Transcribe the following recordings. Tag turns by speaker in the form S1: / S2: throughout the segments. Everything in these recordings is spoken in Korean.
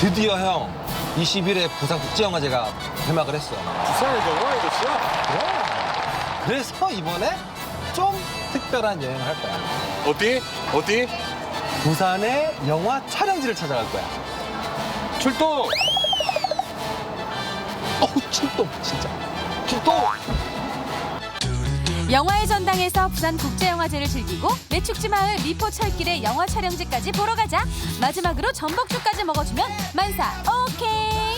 S1: 드디어 형 20일에 부산국제영화제가 개막을 했어.
S2: 부산의 영화의 도시야?
S1: 그래서 이번에 좀 특별한 여행을 할 거야.
S2: 어디?
S1: 부산의 영화 촬영지를 찾아갈 거야.
S2: 출동!
S1: 출동 진짜. 출동!
S3: 영화의 전당에서 부산국제영화제를 즐기고 매축지 마을 미포 철길의 영화 촬영지까지 보러 가자. 마지막으로 전복죽까지 먹어주면 만사 오케이.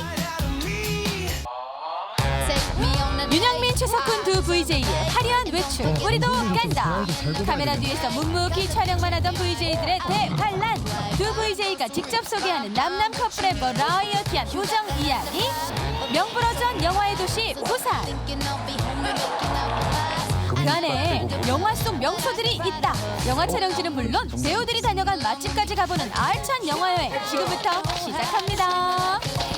S3: 윤영민, 최석훈 두 VJ의 화려한 외출 우리도 간다. 카메라 뒤에서 묵묵히 촬영만 하던 VJ들의 대환란. 두 VJ가 직접 소개하는 남남 커플의 버라이어티한 우정 이야기. 명불허전 영화의 도시 부산. 그 안에 영화 속 명소들이 있다. 영화 촬영지는 물론 배우들이 다녀간 맛집까지 가보는 알찬 영화여행 지금부터 시작합니다.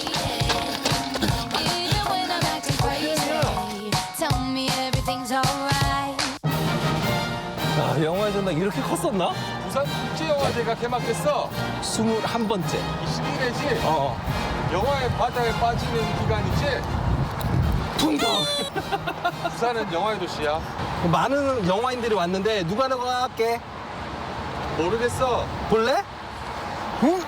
S1: 아, 영화의 전당 이렇게 컸었나?
S2: 부산국제영화제가 개막했어.
S1: 21번째.
S2: 21회지?
S1: 어.
S2: 영화의 바다에 빠지는 기간이지?
S1: 퉁덩.
S2: 부산은 영화의 도시야.
S1: 많은 영화인들이 왔는데 누가 나갈게?
S2: 모르겠어.
S1: 볼래? 응?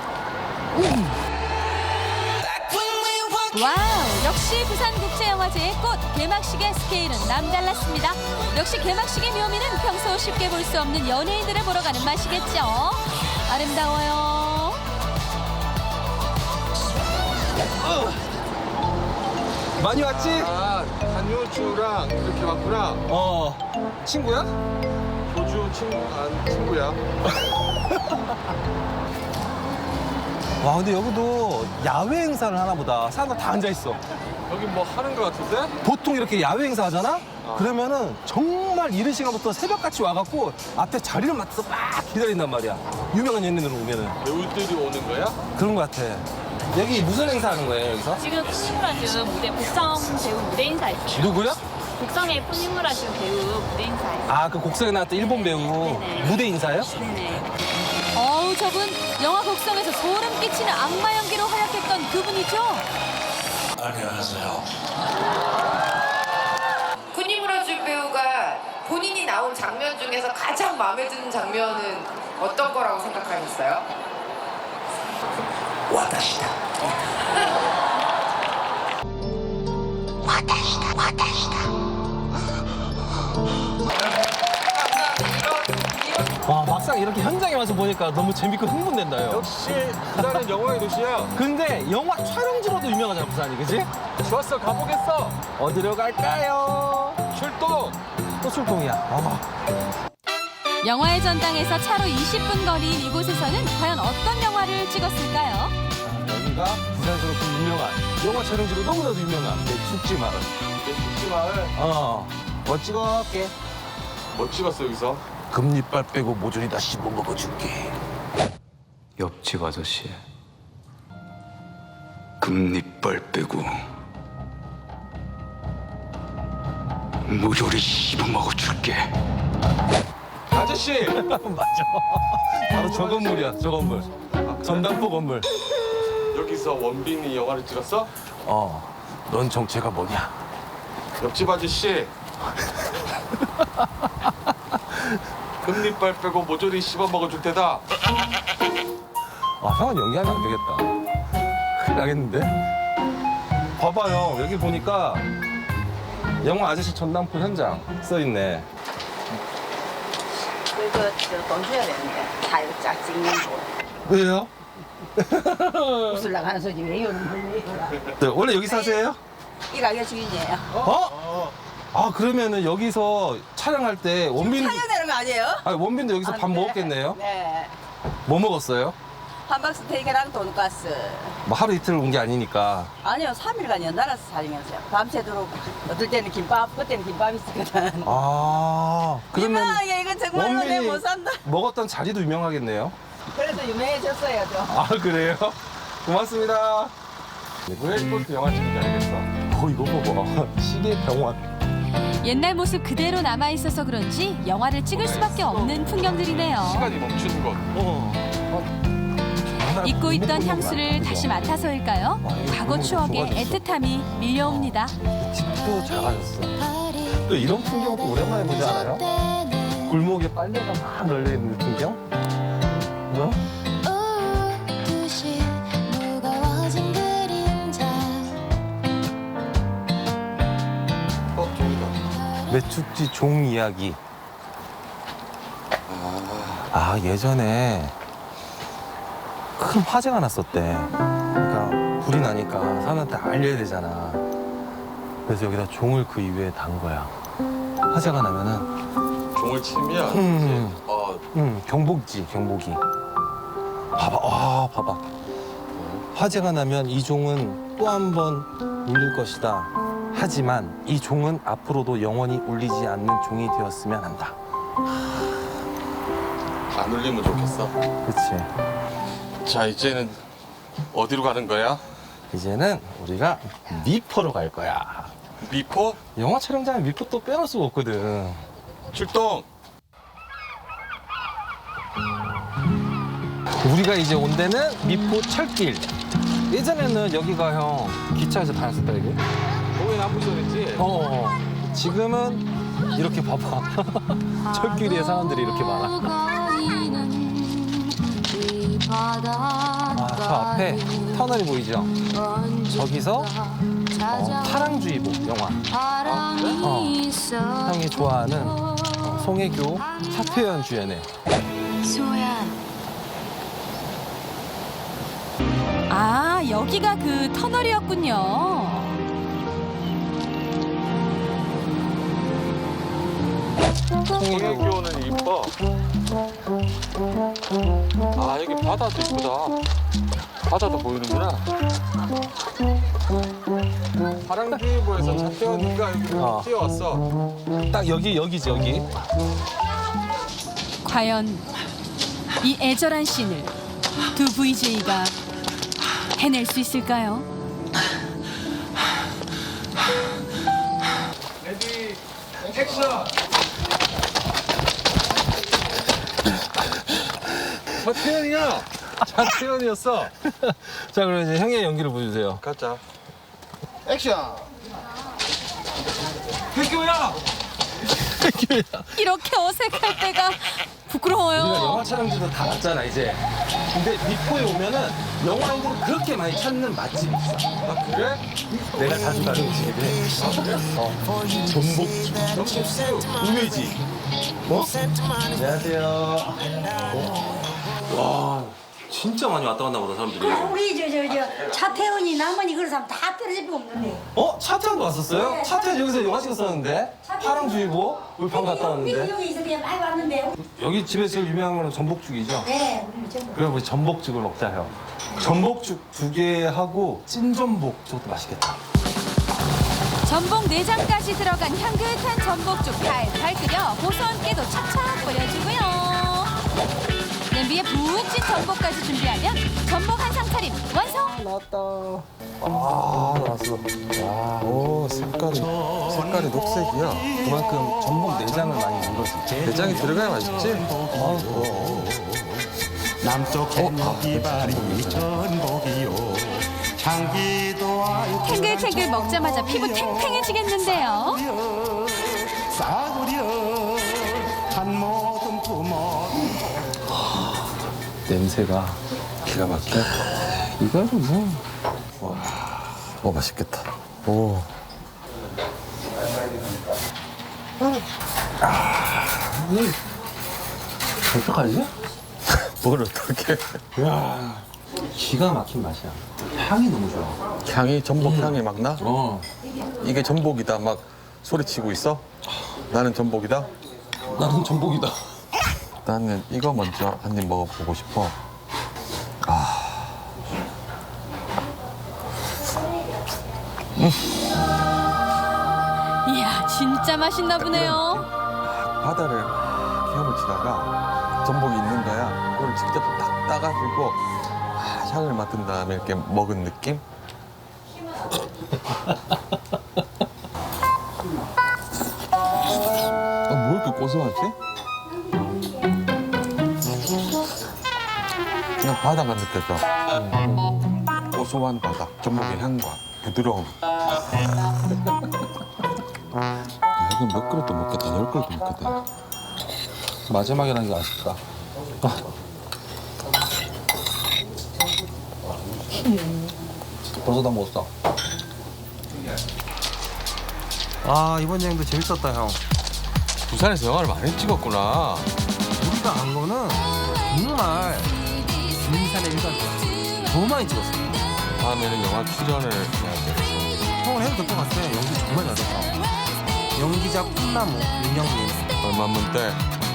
S3: 와우, 역시 부산국제영화제의 꽃 개막식의 스케일은 남달랐습니다. 역시 개막식의 묘미는 평소 쉽게 볼 수 없는 연예인들을 보러 가는 맛이겠죠. 아름다워요.
S1: 많이 왔지?
S2: 아, 한효주랑 이렇게 왔구나.
S1: 친구야?
S2: 효주 친구야.
S1: 와, 근데 여기도 야외 행사를 하나 보다. 사람들 다 앉아있어.
S2: 여기 뭐 하는 거 같은데?
S1: 보통 이렇게 야외 행사 하잖아? 그러면은 정말 이른 시간부터 새벽같이 와갖고 앞에 자리를 맡아서 막 기다린단 말이야. 유명한 연예인으로 오면은.
S2: 배우들이 오는 거야?
S1: 그런 것 같아. 여기 무슨 행사 하는 거예요, 여기서?
S4: 지금 푸니무라즈 무대 곡성 배우 무대 인사 있어요.
S1: 누구야?
S4: 곡성의 푸니무라즈 배우 무대 인사 있어요.
S1: 아, 그 곡성에 나왔던 일본 배우
S4: 네네.
S1: 무대 인사예요?
S4: 네네.
S3: 어우, 저분 영화 곡성에서 소름 끼치는 악마 연기로 활약했던 그분이죠.
S5: 푸니무라즈 배우가 본인이 나온 장면 중에서 가장 마음에 드는 장면은 어떤 거라고 생각하셨어요?
S1: 와, 막상 이렇게 현장에 와서 보니까 너무 재밌고 흥분된다요.
S2: 역시 부산은 영화의 도시야.
S1: 근데 영화 촬영지로도 유명하잖아, 부산이, 그지?
S2: 좋았어, 가보겠어.
S1: 어디로 갈까요?
S2: 출동!
S1: 또 출동이야.
S3: 영화의 전당에서 차로 20분 거리인 이곳에서는 과연 어떤 영화를 찍었을까요?
S1: 여기가 부산에서 그 유명한 영화 촬영지로 너무나도 유명한 매축지 마을.
S2: 매축지 마을.
S1: 뭐 찍어올게.
S2: 뭐 찍었어, 여기서?
S1: 금리빨 빼고 모조리 다 씹어 먹어줄게.
S6: 옆집 아저씨 금리빨 빼고 모조리 씹어 먹어줄게.
S2: 아저씨!
S1: 맞아. 바로 저 건물이야, 저 건물. 전당포 건물.
S2: 여기서 원빈이 영화를 찍었어?
S1: 넌 정체가 뭐냐?
S2: 옆집 아저씨. 금리빨 빼고 모조리 씹어 먹어줄 테다.
S1: 형은 연기하면 안 되겠다. 큰일 나겠는데? 봐봐요, 여기 보니까 영화 아저씨 전당포 현장 써있네.
S7: 이거 돈 줘야 되는데 사육자 찍는 거
S1: 왜요?
S7: 웃으려고 하는 소리 왜 이러는 거야?
S1: 네, 원래 여기 사세요?
S7: 이 가게 주인이에요.
S1: 아, 그러면은 여기서 촬영할 때 원빈,
S7: 촬영되는 거 아니에요?
S1: 원빈도 여기서 밥
S7: 네.
S1: 먹었겠네요?
S7: 네.
S1: 뭐 먹었어요?
S7: 함박스테이크랑 돈가스.
S1: 뭐 하루 이틀 온 게 아니니까.
S7: 아니요, 3일간 연달아서 촬영했어요. 밤새도록 어떨 때는 김밥, 그때는 김밥 있었거든.
S1: 그러면
S7: 유명하게 이건 정말로 내 못 산다.
S1: 먹었던 자리도 유명하겠네요?
S7: 그래서 유명해졌어요, 좀.
S1: 아, 그래요? 고맙습니다. 왜 이렇게 영화 찍는지 알겠어. 이거 봐봐. 시계 병원.
S3: 옛날 모습 그대로 남아있어서 그런지 영화를 찍을 수밖에 없는 풍경들이네요.
S2: 시간이 멈추는 것.
S3: 잊고 있던 향수를 다시 맡아서일까요? 과거 추억에 애틋함이 밀려옵니다.
S1: 집도 작아졌어. 또 이런 풍경도 오랜만에 보지 않아요? 골목에 빨래가 막 널려있는 풍경? 어? 매축지 종 이야기. 아, 예전에 큰 화재가 났었대. 그러니까 불이 나니까 사람한테 알려야 되잖아. 그래서 여기다 종을 그 이후에 단 거야. 화재가 나면은
S2: 종을 치면
S1: 경보기지, 경보기. 봐봐. 화재가 나면 이 종은 또 한 번 울릴 것이다. 하지만 이 종은 앞으로도 영원히 울리지 않는 종이 되었으면 한다.
S2: 안 울리면 좋겠어.
S1: 그치.
S2: 자, 이제는 어디로 가는 거야?
S1: 이제는 우리가 미포로 갈 거야.
S2: 미포?
S1: 영화 촬영장에 미포 또 빼놓을 수가 없거든.
S2: 출동!
S1: 우리가 이제 온 데는 미포 철길. 예전에는 여기가 형 기차에서 다녔었다 이게.
S2: 거기 나쁘셨지?
S1: 지금은 이렇게 봐봐. 철길에 사람들이 이렇게 많아. 저 앞에 터널이 보이죠? 저기서 파랑주의보 영화. 형이 좋아하는 송혜교, 차태현 주연의.
S3: 아, 여기가 그 터널이었군요.
S2: 송혜교는 이뻐. 아, 여기 바다도 이쁘다. 바다도 보이는구나. 파랑주의보에서 차태현이가 여기로 뛰어왔어.
S1: 딱 여기지 여기.
S3: 과연 이 애절한 씬을 두 VJ가 해낼 수 있을까요?
S2: 레디, 액션! 차태현이야! 차태현이었어.
S1: 자, 그럼 이제 형의 연기를 보여주세요.
S2: 가자.
S8: 액션!
S2: 혜교야!
S3: 이렇게 어색할 때가 부끄러워요.
S1: 우리가 영화 촬영지도 다 봤잖아 이제. 근데 미포에 오면은 영화인들이 그렇게 많이 찾는 맛집이 있어.
S2: 아, 그래?
S1: 내가 자주 가는 집에. 전복죽. 우메지. 뭐? 안녕하세요. 와, 진짜 많이 왔다 갔나 보다 사람들이.
S9: 우리 저 차태현이 남은이 그런 사람 다 떨어질 거 없는데.
S1: 차태현도 왔었어요?
S9: 네.
S1: 차태현 여기서 영화 찍었었는데? 파랑주의보 우리 방 갔다 왔는데.
S9: 여기서 그냥 많이 왔는데.
S1: 여기 집에서 제일 유명한 거는 전복죽이죠?
S9: 네, 우리 전부.
S1: 그럼 우리 전복죽을 먹자 형. 전복죽 2개 하고 찐전복 저것도 맛있겠다.
S3: 전복 내장까지 들어간 향긋한 전복죽 팔팔 끓여 고소한 깨도 착착 뿌려주고요. 냄비에 푹 찐 전복까지 준비하면 전복 한상 차림 완성!
S1: 나왔다. 나왔어. 와, 오, 색깔이 녹색이야. 그만큼 전복 내장을 많이 넣은 거지. 내장이 들어가야 맛있지?
S8: 남쪽 햇먹이발이 전복이요 향기도
S3: 탱글탱글 먹자마자 피부 탱탱해지겠는데요.
S8: 싸구려 한 모금 부모
S1: 냄새가 기가 막혀. 이거는 뭐. 와, 맛있겠다. 오. 어떡하지? 뭘 어떡해. 야, 기가 막힌 맛이야. 향이 너무 좋아.
S10: 향이 전복 향이 막 나? 이게 전복이다 막 소리치고 있어? 나는 전복이다?
S1: 나는 전복이다.
S10: 나는 이거 먼저 한 입 먹어보고 싶어.
S3: 이야, 진짜 맛있나 보네요.
S10: 바다를 헤엄치다가 전복이 있는 거야. 그걸 직접 딱 따가지고 향을 맡은 다음에 이렇게 먹은 느낌? 뭐 이렇게 고소하지? 그냥 바다가 느껴져. 고소한 바다, 전복의 향과 부드러움. 야, 이거 몇 그릇도 먹겠다, 10그릇도 먹겠다.
S1: 마지막이라는 게 아쉽다. 벌써 다 먹었어. 아, 이번 여행도 재밌었다, 형.
S10: 부산에서 영화를 많이 찍었구나.
S1: 우리가 간 거는 정말 인산의 일각이야. 너무 많이 찍었어.
S10: 다음에는 영화 출연을 해야 돼.
S1: 형을 해도 될 것 같아. 연기 정말 잘했어. 연기자 꿈나무 윤영민.
S10: 얼마면 돼?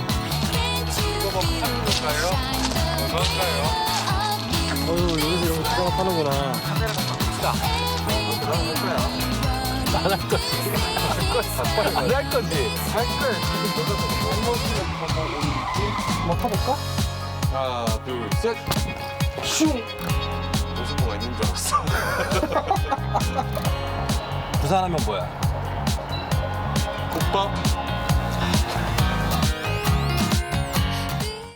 S1: 어휴, 여기서 이런 거 추가가 파는구나. 안할 거지. 안할 거지. 할 거야. 한번 타볼까?
S10: 하나, 둘, 셋. 슝! 무슨 뭐가 있는 줄 알았어.
S1: 부산 하면 뭐야?
S10: 국밥?